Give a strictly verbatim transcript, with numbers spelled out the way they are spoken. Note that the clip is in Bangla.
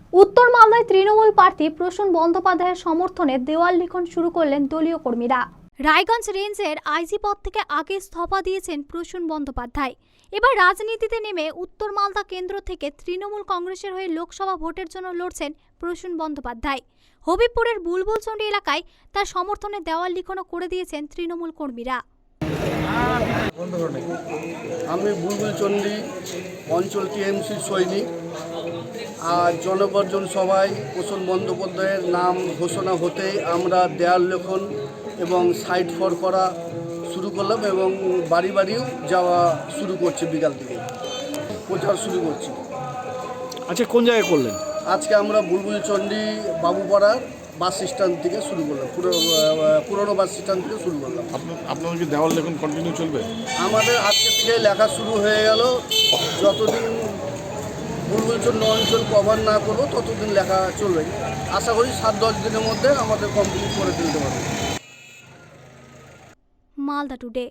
উত্তর মালদায় তৃণমূল প্রার্থী প্রসূন বন্দ্যোপাধ্যায়ের সমর্থনে দেওয়াল লিখন শুরু করলেন দলীয় কর্মীরা। রায়গঞ্জ রেঞ্জের আইজি পদ থেকে আগে ইস্তফা দিয়েছেন প্রসূন বন্দ্যোপাধ্যায়। এবার রাজনীতিতে নেমে উত্তর মালদা কেন্দ্র থেকে তৃণমূল কংগ্রেসের হয়ে লোকসভা ভোটের জন্য লড়ছেন প্রসূন বন্দ্যোপাধ্যায়। হবিবপুরের বুলবুলচন্ডী এলাকায় তার সমর্থনে দেওয়াল লিখনও করে দিয়েছেন তৃণমূল কর্মীরা। আমি বুলবুলচন্ডী অঞ্চল টিএমসি সৈনিক। আর জনগর্জন সভায় প্রসূন বন্দ্যোপাধ্যায়ের নাম ঘোষণা হতেই আমরা দেয়াল লেখন এবং সাইট ফর করা শুরু করলাম এবং বাড়ি বাড়িও যাওয়া শুরু করছি, বিকাল থেকে প্রচার শুরু করছি। আচ্ছা, কোন জায়গায় করলেন? আজকে আমরা বুলবুলচন্ডী বাবুপাড়ার বাস স্ট্যান্ড থেকে শুরু করলাম, পুরনো বাস স্ট্যান্ড থেকে শুরু করলাম। আপনাদের কি দেওয়াল লেখন কন্টিনিউ চলবে? আমাদের আজকে থেকে লেখা শুরু হয়ে গেল। যতদিন বুলবুলচন্ডী অঞ্চল কভার না করবো ততদিন লেখা চলবে। আশা করি সাত দশ দিনের মধ্যে আমাদের কমপ্লিট করে দিতে পারবো। মালদা টুডে।